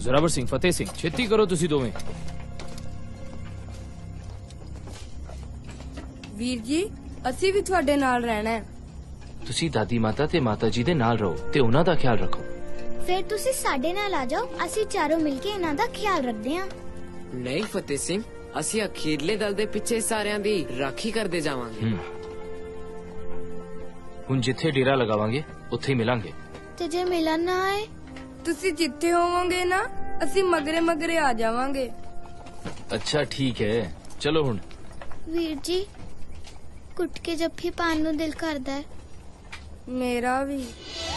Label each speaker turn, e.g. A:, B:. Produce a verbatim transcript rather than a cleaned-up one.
A: ਜ਼ੋਰਾਵਰ ਸਿੰਘ, ਫਤਿਹ ਸਿੰਘ, ਛੇਤੀ ਕਰੋ ਤੁਸੀਂ ਦੋਵੇਂ।
B: ਵੀਰ ਜੀ ਅਸੀਂ ਵੀ ਤੁਹਾਡੇ ਨਾਲ ਰਹਿਣਾ ਹੈ।
C: ਤੁਸੀਂ ਦਾਦੀ ਮਾਤਾ ਤੇ ਮਾਤਾ ਜੀ ਦੇ ਨਾਲ ਰਹੋ ਤੇ ਉਹਨਾਂ ਦਾ ਖਿਆਲ ਰੱਖੋ।
D: ਫਿਰ ਤੁਸੀਂ ਸਾਡੇ ਨਾਲ ਆ ਜਾਓ, ਅਸੀਂ ਚਾਰੋਂ ਮਿਲ ਕੇ ਇਹਨਾਂ ਦਾ ਖਿਆਲ ਰੱਖਦੇ ਹਾਂ।
E: ਨਹੀਂ ਫਤਿਹ ਸਿੰਘ, ਅਸੀਂ ਅਖੀਰਲੇ ਦਲ ਦੇ ਪਿੱਛੇ ਸਾਰਿਆਂ ਦੀ ਰਾਖੀ ਕਰਦੇ ਜਾਵਾਂਗੇ।
C: ਹੁਣ ਜਿੱਥੇ ਡੇਰਾ ਲਗਾਵਾਂਗੇ ਉੱਥੇ ਹੀ ਮਿਲਾਂਗੇ।
D: ਤੇ ਜੇ ਮਿਲਣ ਨਾ ਆਏ?
B: ਤੁਸੀਂ ਜਿੱਥੇ ਹੋਵੋਗੇ ਨਾ ਅਸੀਂ ਮਗਰੇ ਮਗਰੇ ਆ ਜਾਵਾਂਗੇ।
C: ਅੱਛਾ ਠੀਕ ਹੈ, ਚਲੋ ਹੁਣ।
D: ਵੀਰ ਜੀ ਕੁੱਟ ਕੇ ਜੱਫੀ ਪਾਣ ਨੂੰ ਦਿਲ ਕਰਦਾ ਹੈ।
B: ਮੇਰਾ ਵੀ।